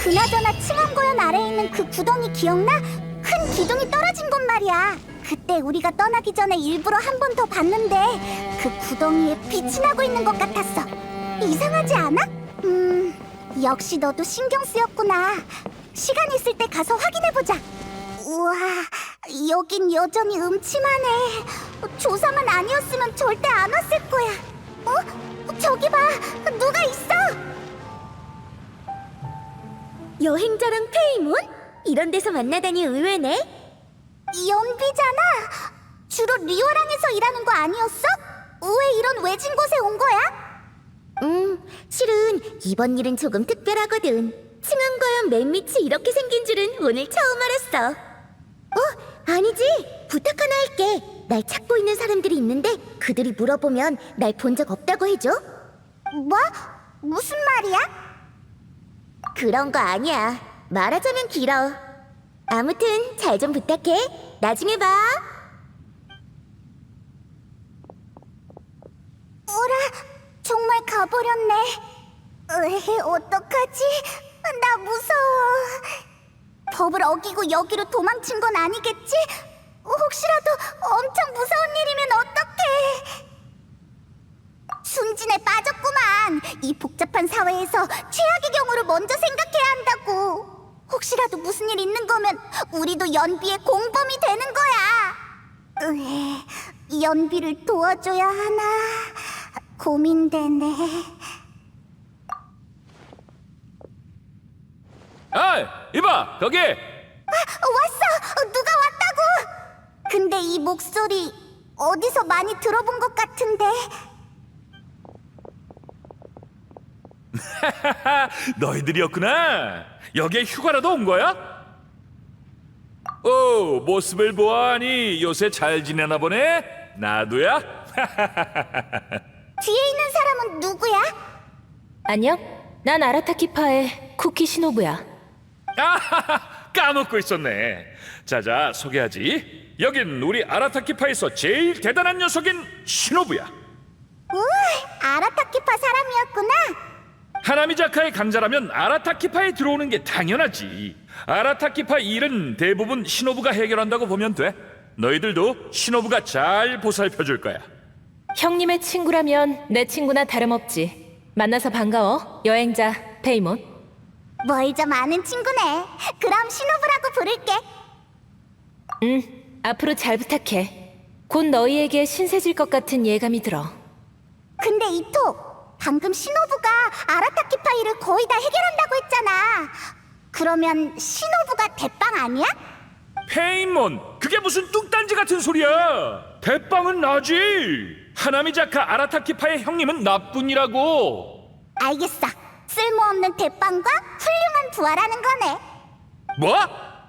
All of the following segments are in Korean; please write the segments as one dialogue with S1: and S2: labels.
S1: 그나저나 층암고연 아래에 있는 그 구덩이 기억나? 큰 기둥이 떨어진 곳 말이야. 그때 우리가 떠나기 전에 일부러 한 번 더 봤는데 그 구덩이에 빛이 나고 있는 것 같았어. 이상하지 않아? 역시 너도 신경 쓰였구나. 시간 있을 때 가서 확인해보자. 우와, 여긴 여전히 음침하네. 조사만 아니었으면 절대 안 왔을 거야. 저기 봐, 누가 있어? 여행자랑 페이몬? 이런 데서 만나다니 의외네. 연비잖아. 주로 리오랑에서 일하는 거 아니었어? 왜 이런 외진 곳에 온 거야? 실은 이번 일은 조금 특별하거든. 층암과연 맨 밑이 이렇게 생긴 줄은 오늘 처음 알았어. 아니지. 부탁 하나 할게. 날 찾고 있는 사람들이 있는데 그들이 물어보면 날 본 적 없다고 해줘. 뭐? 무슨 말이야? 그런 거 아니야. 말하자면 길어. 아무튼 잘 좀 부탁해. 나중에 봐. 어라, 정말 가버렸네. 어떡하지? 나 무서워. 법을 어기고 여기로 도망친 건 아니겠지? 혹시라도 엄청 무서운 일이면 어떡해? 순진에 빠졌구만. 이 복잡한 사회에서 최악의 경우를 먼저 생각해야 한다고. 혹시라도 무슨 일 있는 거면 우리도 연비의 공범이 되는 거야. 연비를 도와줘야 하나 고민되네.
S2: 아이, 이봐, 거기!
S1: 왔어! 누가 왔다고! 근데 이 목소리 어디서 많이 들어본 것 같은데.
S2: 너희들이었구나. 여기에 휴가라도 온 거야? 모습을 보아하니 요새 잘 지내나 보네? 나도야?
S1: 뒤에 있는 사람은 누구야?
S3: 안녕? 난 아라타키파의 쿠키 시노부야.
S2: 까먹고 있었네. 자자, 소개하지. 여긴 우리 아라타키파에서 제일 대단한 녀석인 시노부야.
S1: 아라타키파 사람이었구나.
S2: 하나미자카의 강자라면 아라타키파에 들어오는 게 당연하지. 아라타키파 일은 대부분 시노부가 해결한다고 보면 돼. 너희들도 시노부가 잘 보살펴줄 거야.
S3: 형님의 친구라면 내 친구나 다름없지. 만나서 반가워, 여행자 페이몬.
S1: 뭘 좀 아는 친구네. 그럼 신호부라고 부를게.
S3: 앞으로 잘 부탁해. 곧 너희에게 신세질 것 같은 예감이 들어.
S1: 근데 이토, 방금 신호부가 아라타키파 일을 거의 다 해결한다고 했잖아. 그러면 신호부가 대빵 아니야?
S2: 페인몬, 그게 무슨 뚱딴지 같은 소리야. 대빵은 나지. 하나미자카 아라타키파의 형님은 나뿐이라고.
S1: 알겠어. 쓸모없는 대빵과 훌륭한 부하라는 거네.
S2: 뭐?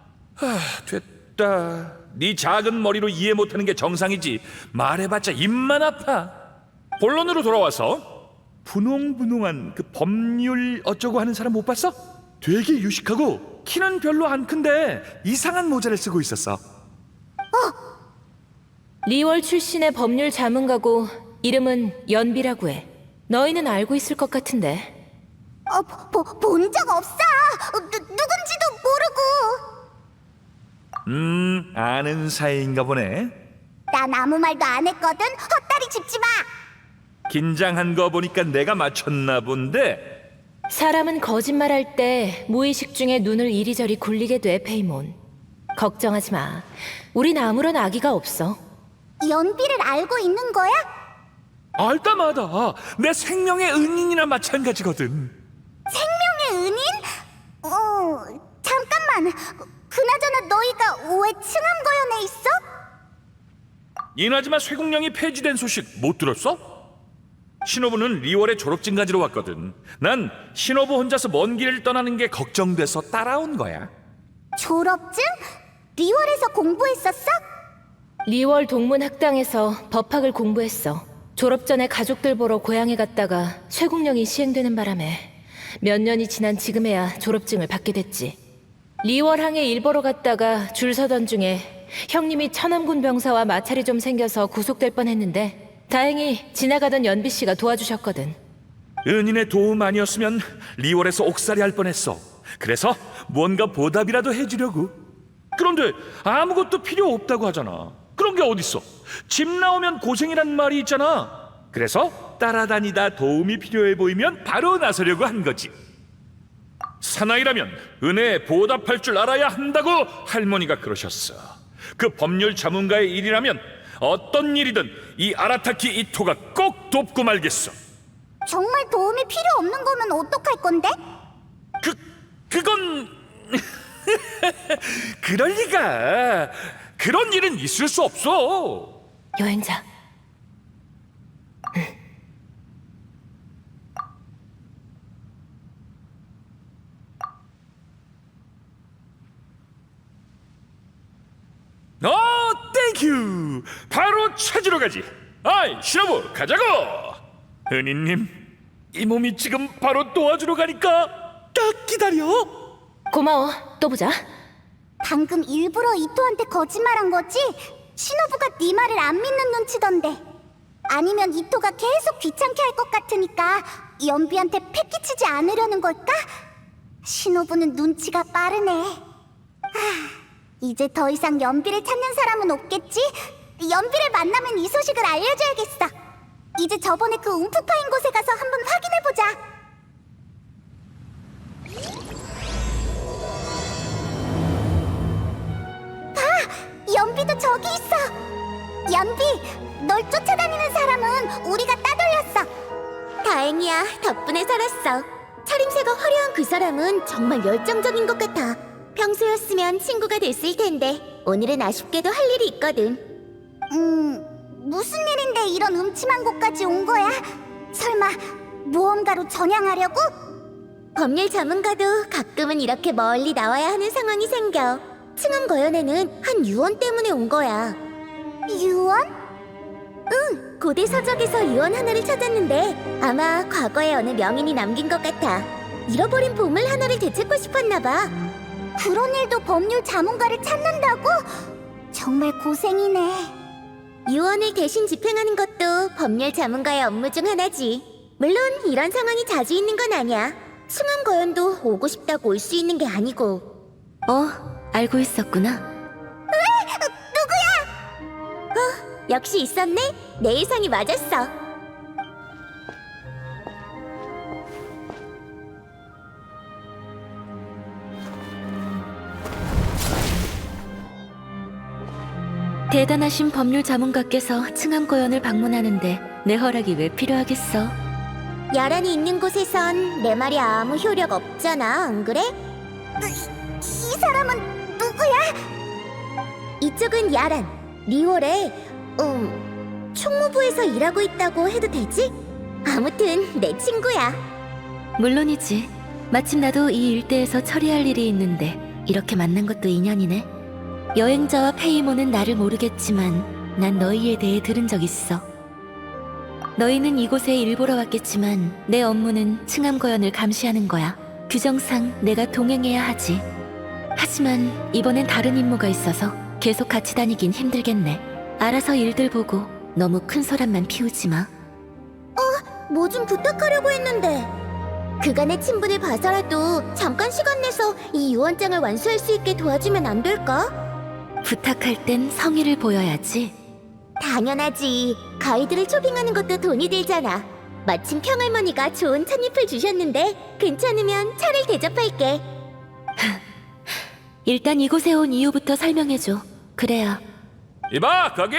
S2: 됐다. 네 작은 머리로 이해 못하는 게 정상이지. 말해봤자 입만 아파. 본론으로 돌아와서 분홍분홍한 그 법률 어쩌고 하는 사람 못 봤어? 되게 유식하고 키는 별로 안 큰데 이상한 모자를 쓰고 있었어.
S3: 리월 출신의 법률 자문가고 이름은 연비라고 해. 너희는 알고 있을 것 같은데.
S1: 본 적 없어. 누군지도 모르고.
S2: 아는 사이인가 보네.
S1: 난 아무 말도 안 했거든. 헛다리 짚지 마.
S2: 긴장한 거 보니까 내가 맞췄나 본데.
S3: 사람은 거짓말할 때 무의식 중에 눈을 이리저리 굴리게 돼, 페이몬. 걱정하지 마. 우린 아무런 악의가 없어.
S1: 연비를 알고 있는 거야?
S2: 알다마다 내 생명의 은인이나 마찬가지거든.
S1: 생명의 은인? 잠깐만. 그나저나 너희가 왜 층암거연에 있어?
S2: 이나즈마 쇠국령이 폐지된 소식 못 들었어? 신호부는 리월에 졸업증 가지러 왔거든. 난 신호부 혼자서 먼 길을 떠나는 게 걱정돼서 따라온 거야.
S1: 졸업증? 리월에서 공부했었어?
S3: 리월 동문학당에서 법학을 공부했어. 졸업 전에 가족들 보러 고향에 갔다가 쇠국령이 시행되는 바람에 몇 년이 지난 지금에야 졸업증을 받게 됐지. 리월항에 일 보러 갔다가 줄 서던 중에 형님이 천암군 병사와 마찰이 좀 생겨서 구속될 뻔했는데 다행히 지나가던 연비 씨가 도와주셨거든.
S2: 은인의 도움 아니었으면 리월에서 옥살이 할 뻔했어. 그래서 뭔가 보답이라도 해주려고. 그런데 아무것도 필요 없다고 하잖아. 그런 게 어딨어? 집 나오면 고생이란 말이 있잖아. 그래서 따라다니다 도움이 필요해 보이면 바로 나서려고 한 거지. 사나이라면 은혜에 보답할 줄 알아야 한다고 할머니가 그러셨어. 그 법률 자문가의 일이라면 어떤 일이든 이 아라타키 이토가 꼭 돕고 말겠어.
S1: 정말 도움이 필요 없는 거면 어떡할 건데?
S2: 그건 그럴 리가. 그런 일은 있을 수 없어.
S3: 여행자.
S2: 땡큐. 바로 찾으러 가지. 아이, 신호부 가자고. 은희님, 이 몸이 지금 바로 도와주러 가니까 딱 기다려.
S3: 고마워. 또 보자.
S1: 방금 일부러 이토한테 거짓말한 거지? 신호부가 네 말을 안 믿는 눈치던데. 아니면 이토가 계속 귀찮게 할 것 같으니까 연비한테 패기치지 않으려는 걸까? 신호부는 눈치가 빠르네. 이제 더 이상 연비를 찾는 사람은 없겠지? 연비를 만나면 이 소식을 알려줘야겠어. 이제 저번에 그 움푹 파인 곳에 가서 한번 확인해보자. 연비도 저기 있어. 연비, 널 쫓아다니는 사람은 우리가 따돌렸어. 다행이야. 덕분에 살았어. 차림새가 화려한 그 사람은 정말 열정적인 것 같아. 평소였으면 친구가 됐을 텐데 오늘은 아쉽게도 할 일이 있거든. 무슨 일인데 이런 음침한 곳까지 온 거야? 설마 모험가로 전향하려고? 법률 자문가도 가끔은 이렇게 멀리 나와야 하는 상황이 생겨. 층암거연에는 한 유언 때문에 온 거야. 유언? 응, 고대 서적에서 유언 하나를 찾았는데 아마 과거에 어느 명인이 남긴 것 같아. 잃어버린 보물 하나를 되찾고 싶었나 봐. 그런 일도 법률 자문가를 찾는다고? 정말 고생이네. 유언을 대신 집행하는 것도 법률 자문가의 업무 중 하나지. 물론 이런 상황이 자주 있는 건 아니야. 층암거연도 오고 싶다고 올 수 있는 게 아니고.
S3: 알고 있었구나.
S1: 누구야? 역시 있었네? 내 예상이 맞았어.
S3: 대단하신 법률 자문가께서 층암거연을 방문하는데 내 허락이 왜 필요하겠어?
S1: 야란이 있는 곳에선 내 말이 아무 효력 없잖아, 안 그래? 이 사람은 누구야? 이쪽은 야란, 리월에 총무부에서 일하고 있다고 해도 되지? 아무튼 내 친구야.
S3: 물론이지. 마침 나도 이 일대에서 처리할 일이 있는데 이렇게 만난 것도 인연이네. 여행자와 페이모는 나를 모르겠지만 난 너희에 대해 들은 적 있어. 너희는 이곳에 일보러 왔겠지만 내 업무는 층암거연을 감시하는 거야. 규정상 내가 동행해야 하지. 하지만 이번엔 다른 임무가 있어서 계속 같이 다니긴 힘들겠네. 알아서 일들 보고 너무 큰 소란만 피우지 마.
S1: 뭐 좀 부탁하려고 했는데. 그간의 친분을 봐서라도 잠깐 시간 내서 이 유언장을 완수할 수 있게 도와주면 안 될까?
S3: 부탁할 땐 성의를 보여야지.
S1: 당연하지. 가이드를 초빙하는 것도 돈이 들잖아. 마침 평할머니가 좋은 찻잎을 주셨는데 괜찮으면 차를 대접할게.
S3: 일단 이곳에 온 이유부터 설명해줘. 그래야.
S2: 이봐, 거기!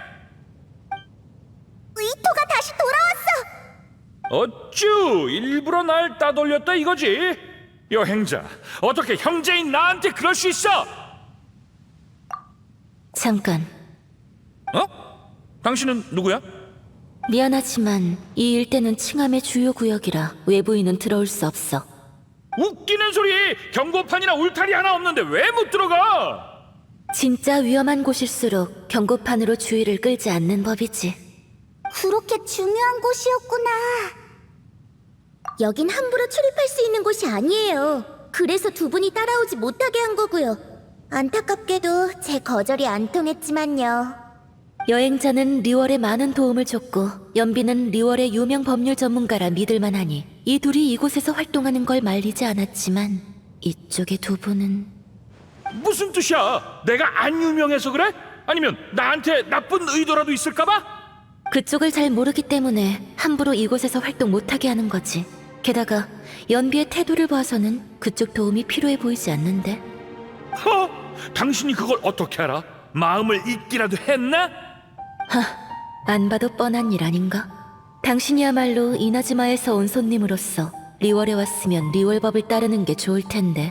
S1: 이토가 다시 돌아왔어.
S2: 어쭈, 일부러 날 따돌렸다 이거지? 여행자, 어떻게 형제인 나한테 그럴 수 있어?
S3: 잠깐.
S2: 당신은 누구야?
S3: 미안하지만 이 일대는 칭함의 주요 구역이라 외부인은 들어올 수 없어.
S2: 웃기는 소리! 경고판이나 울타리 하나 없는데 왜 못 들어가?
S3: 진짜 위험한 곳일수록 경고판으로 주의를 끌지 않는 법이지.
S1: 그렇게 중요한 곳이었구나. 여긴 함부로 출입할 수 있는 곳이 아니에요. 그래서 두 분이 따라오지 못하게 한 거고요. 안타깝게도 제 거절이 안 통했지만요.
S3: 여행자는 리월에 많은 도움을 줬고 연비는 리월의 유명 법률 전문가라 믿을만하니 이 둘이 이곳에서 활동하는 걸 말리지 않았지만 이쪽의 두 분은
S2: 무슨 뜻이야? 내가 안 유명해서 그래? 아니면 나한테 나쁜 의도라도 있을까봐?
S3: 그쪽을 잘 모르기 때문에 함부로 이곳에서 활동 못하게 하는 거지. 게다가 연비의 태도를 봐서는 그쪽 도움이 필요해 보이지 않는데.
S2: 당신이 그걸 어떻게 알아? 마음을 읽기라도 했나?
S3: 안 봐도 뻔한 일 아닌가? 당신이야말로 이나즈마에서 온 손님으로서 리월에 왔으면 리월법을 따르는 게 좋을 텐데.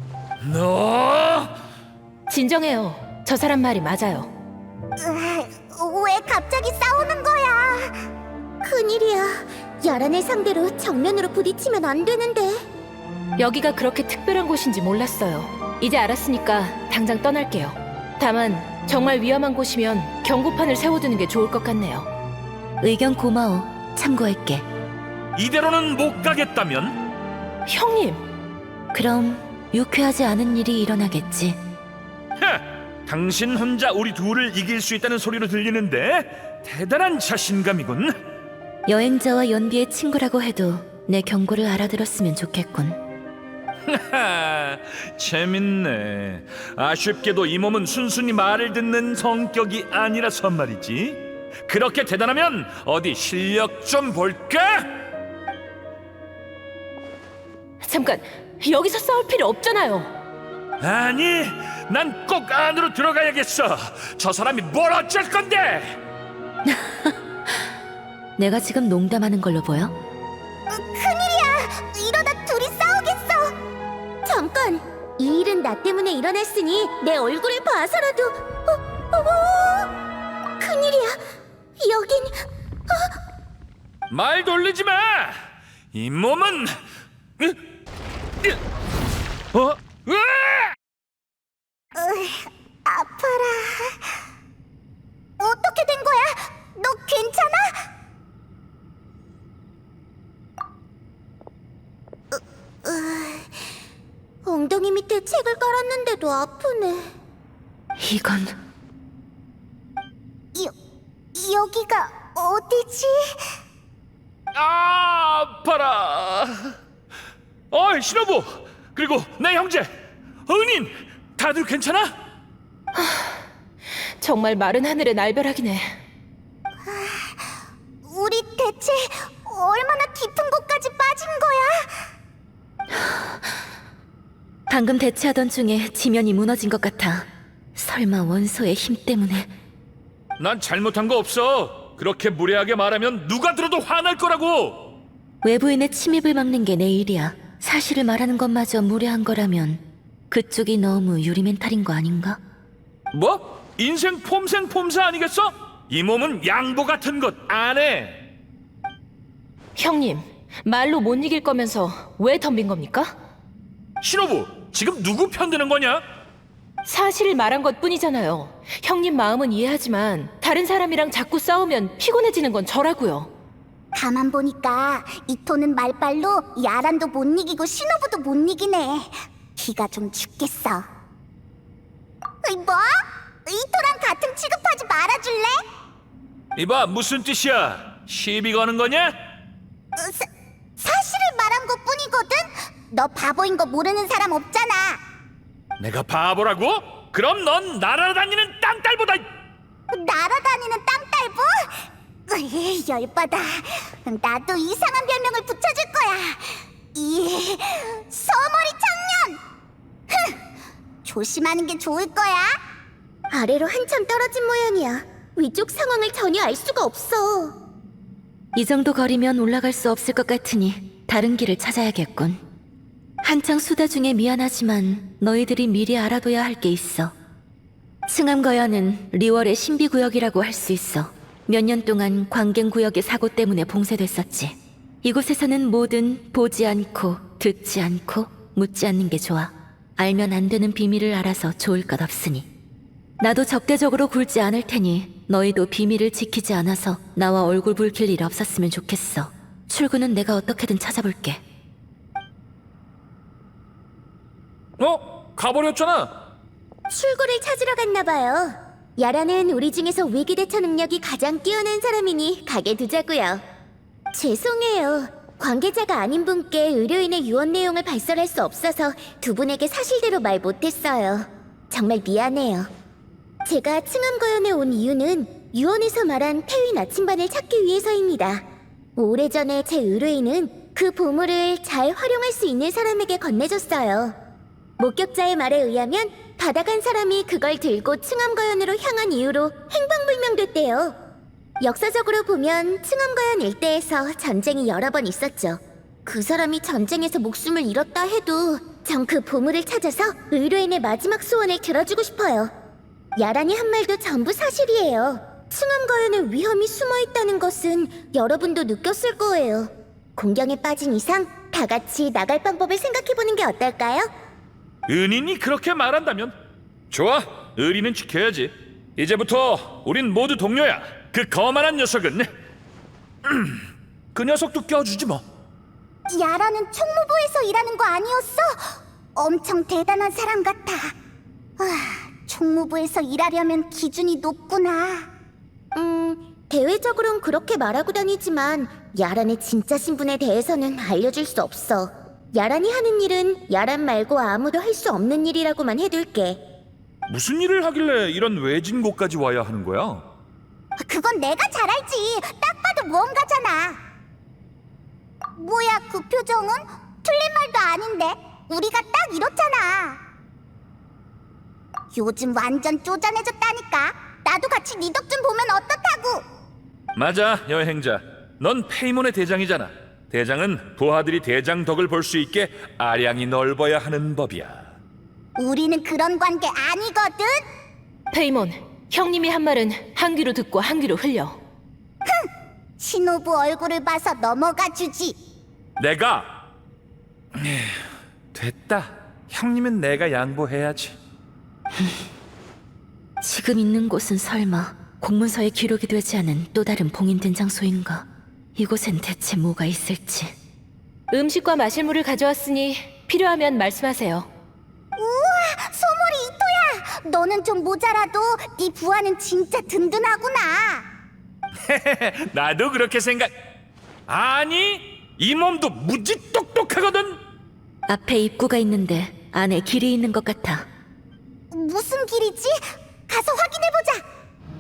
S2: 너
S3: 진정해요. 저 사람 말이 맞아요.
S1: 왜 갑자기 싸우는 거야? 큰일이야. 야란을 상대로 정면으로 부딪히면 안 되는데.
S3: 여기가 그렇게 특별한 곳인지 몰랐어요. 이제 알았으니까 당장 떠날게요. 다만 정말 위험한 곳이면 경고판을 세워두는 게 좋을 것 같네요. 의견 고마워. 참고할게.
S2: 이대로는 못 가겠다면?
S3: 형님! 그럼 유쾌하지 않은 일이 일어나겠지.
S2: 당신 혼자 우리 둘을 이길 수 있다는 소리로 들리는데 대단한 자신감이군.
S3: 여행자와 연비의 친구라고 해도 내 경고를 알아들었으면 좋겠군.
S2: 재밌네. 아쉽게도 이 몸은 순순히 말을 듣는 성격이 아니라서 말이지. 그렇게 대단하면 어디 실력 좀 볼까?
S3: 잠깐, 여기서 싸울 필요 없잖아요.
S2: 아니, 난 꼭 안으로 들어가야겠어. 저 사람이 뭘 어쩔 건데?
S3: 내가 지금 농담하는 걸로 보여?
S1: 큰일이야. 이러다 둘이 싸우겠어. 잠깐. 이 일은 나 때문에 일어났으니 내 얼굴을 봐서라도. 큰일이야. 여긴
S2: 말 돌리지 마. 이 몸은
S1: 아파라. 어떻게 된 거야? 너 괜찮아? 엉덩이 밑에 책을 깔았는데도 아프네.
S3: 이건
S1: 여기가 어디지?
S2: 아파라. 어이, 신호부. 그리고 내 형제 은인, 다들 괜찮아?
S3: 정말 마른 하늘의 날벼락이네.
S1: 우리 대체 얼마나 깊은 곳까지 빠진 거야?
S3: 방금 대치하던 중에 지면이 무너진 것 같아. 설마 원소의 힘 때문에.
S2: 난 잘못한 거 없어. 그렇게 무례하게 말하면 누가 들어도 화날 거라고.
S3: 외부인의 침입을 막는 게 내 일이야. 사실을 말하는 것마저 무례한 거라면 그쪽이 너무 유리멘탈인 거 아닌가?
S2: 뭐? 인생 폼생 폼사 아니겠어? 이 몸은 양보 같은 것 안 해.
S3: 형님, 말로 못 이길 거면서 왜 덤빈 겁니까?
S2: 신호부, 지금 누구 편드는 거냐?
S3: 사실을 말한 것 뿐이잖아요. 형님 마음은 이해하지만 다른 사람이랑 자꾸 싸우면 피곤해지는 건 저라고요.
S1: 가만 보니까 이토는 말빨로 야란도 못 이기고 신호부도 못 이기네. 기가 좀 죽겠어. 뭐? 이토랑 같은 취급하지 말아줄래?
S2: 이봐, 무슨 뜻이야? 시비 거는 거냐?
S1: 사실을 말한 것 뿐이거든? 너 바보인 거 모르는 사람 없잖아.
S2: 내가 바보라고? 그럼 넌 날아다니는 땅딸보다.
S1: 날아다니는 땅딸보? 열받아. 나도 이상한 별명을 붙여줄 거야. 이 서머리 청년. 조심하는 게 좋을 거야. 아래로 한참 떨어진 모양이야. 위쪽 상황을 전혀 알 수가 없어.
S3: 이 정도 거리면 올라갈 수 없을 것 같으니 다른 길을 찾아야겠군. 한창 수다 중에 미안하지만 너희들이 미리 알아둬야 할 게 있어. 층암거연은 리월의 신비구역이라고 할 수 있어. 몇 년 동안 광갱구역의 사고 때문에 봉쇄됐었지. 이곳에서는 뭐든 보지 않고 듣지 않고 묻지 않는 게 좋아. 알면 안 되는 비밀을 알아서 좋을 것 없으니. 나도 적대적으로 굴지 않을 테니 너희도 비밀을 지키지 않아서 나와 얼굴 붉힐 일 없었으면 좋겠어. 출구는 내가 어떻게든 찾아볼게.
S2: 가버렸잖아.
S1: 출구를 찾으러 갔나 봐요. 야라는 우리 중에서 위기 대처 능력이 가장 뛰어난 사람이니 가게 두자고요. 죄송해요. 관계자가 아닌 분께 의료인의 유언 내용을 발설할 수 없어서 두 분에게 사실대로 말 못했어요. 정말 미안해요. 제가 층암거연에 온 이유는 유언에서 말한 태위 나침반을 찾기 위해서입니다. 오래전에 제 의뢰인은 그 보물을 잘 활용할 수 있는 사람에게 건네줬어요. 목격자의 말에 의하면 받아간 사람이 그걸 들고 층암거연으로 향한 이후로 행방불명됐대요. 역사적으로 보면 층암거연 일대에서 전쟁이 여러 번 있었죠. 그 사람이 전쟁에서 목숨을 잃었다 해도 전 그 보물을 찾아서 의뢰인의 마지막 소원을 들어주고 싶어요. 야란이 한 말도 전부 사실이에요. 층암거연에 위험이 숨어있다는 것은 여러분도 느꼈을 거예요. 공경에 빠진 이상 다 같이 나갈 방법을 생각해보는 게 어떨까요?
S2: 은인이 그렇게 말한다면 좋아, 의리는 지켜야지. 이제부터 우린 모두 동료야. 그 거만한 녀석은 그 녀석도 껴주지 뭐.
S1: 야라는 총무부에서 일하는 거 아니었어? 엄청 대단한 사람 같아. 총무부에서 일하려면 기준이 높구나. 대외적으론 그렇게 말하고 다니지만 야란의 진짜 신분에 대해서는 알려줄 수 없어. 야란이 하는 일은 야란 말고 아무도 할 수 없는 일이라고만 해둘게.
S2: 무슨 일을 하길래 이런 외진 곳까지 와야 하는 거야?
S1: 그건 내가 잘 알지. 딱 봐도 무언가잖아. 뭐야 그 표정은? 틀린 말도 아닌데. 우리가 딱 이렇잖아. 요즘 완전 쪼잔해졌다니까. 나도 같이 네 덕 좀 보면 어떻다고.
S2: 맞아, 여행자. 넌 페이몬의 대장이잖아. 대장은 부하들이 대장 덕을 볼 수 있게 아량이 넓어야 하는 법이야.
S1: 우리는 그런 관계 아니거든.
S3: 페이몬, 형님이 한 말은 한 귀로 듣고 한 귀로 흘려.
S1: 신호부 얼굴을 봐서 넘어가 주지.
S2: 내가 됐다. 형님은 내가 양보해야지.
S4: 지금 있는 곳은 설마 공문서에 기록이 되지 않은 또 다른 봉인된 장소인가? 이곳엔 대체 뭐가 있을지.
S3: 음식과 마실 물을 가져왔으니 필요하면 말씀하세요.
S1: 우와, 소몰이 이토야. 너는 좀 모자라도 네 부하는 진짜 든든하구나.
S2: 나도 그렇게 생각. 아니, 이 몸도 무지 똑똑하거든.
S4: 앞에 입구가 있는데 안에 길이 있는 것 같아.
S1: 무슨 길이지? 가서 확인해보자.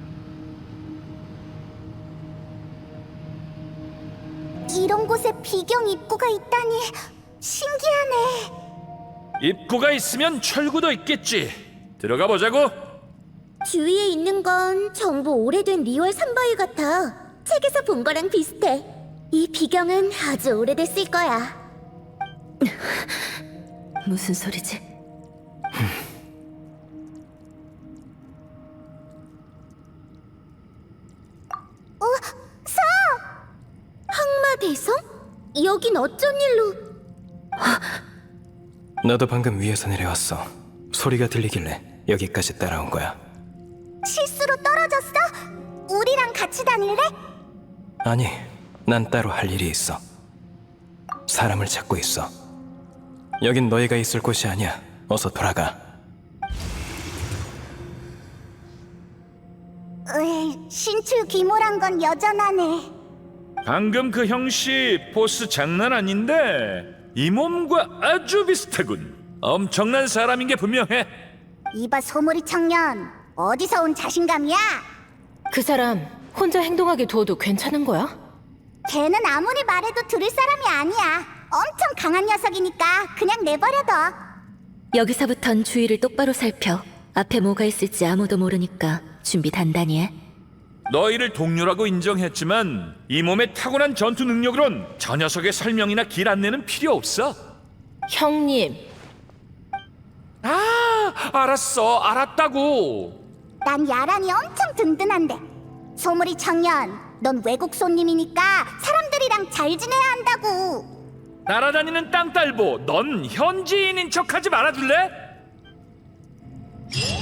S1: 이런 곳에 비경 입구가 있다니 신기하네.
S2: 입구가 있으면 철구도 있겠지. 들어가 보자고.
S1: 주위에 있는 건 전부 오래된 리월 산바위 같아. 책에서 본 거랑 비슷해. 이 비경은 아주 오래됐을 거야.
S4: 무슨 소리지?
S1: 항마대성? 여긴 어쩐 일로?
S5: 나도 방금 위에서 내려왔어. 소리가 들리길래 여기까지 따라온 거야.
S1: 실수로 떨어졌어? 우리랑 같이 다닐래?
S5: 아니, 난 따로 할 일이 있어. 사람을 찾고 있어. 여긴 너희가 있을 곳이 아니야. 어서 돌아가.
S1: 신출 귀몰한 건 여전하네.
S2: 방금 그 형씨 포스 장난 아닌데 이 몸과 아주 비슷하군. 엄청난 사람인 게 분명해.
S1: 이봐 소몰이 청년, 어디서 온 자신감이야?
S3: 그 사람 혼자 행동하게 두어도 괜찮은 거야?
S1: 걔는 아무리 말해도 들을 사람이 아니야. 엄청 강한 녀석이니까 그냥 내버려둬.
S4: 여기서부턴 주위를 똑바로 살펴. 앞에 뭐가 있을지 아무도 모르니까 준비 단단히 해.
S2: 너희를 동료라고 인정했지만 이 몸의 타고난 전투 능력으론 저 녀석의 설명이나 길 안내는 필요 없어.
S3: 형님,
S2: 알았어. 알았다고.
S1: 난 야란이 엄청 든든한데. 소몰이 청년, 넌 외국 손님이니까 사람들이랑 잘 지내야 한다고.
S2: 날아다니는 땅딸보, 넌 현지인인 척하지 말아줄래?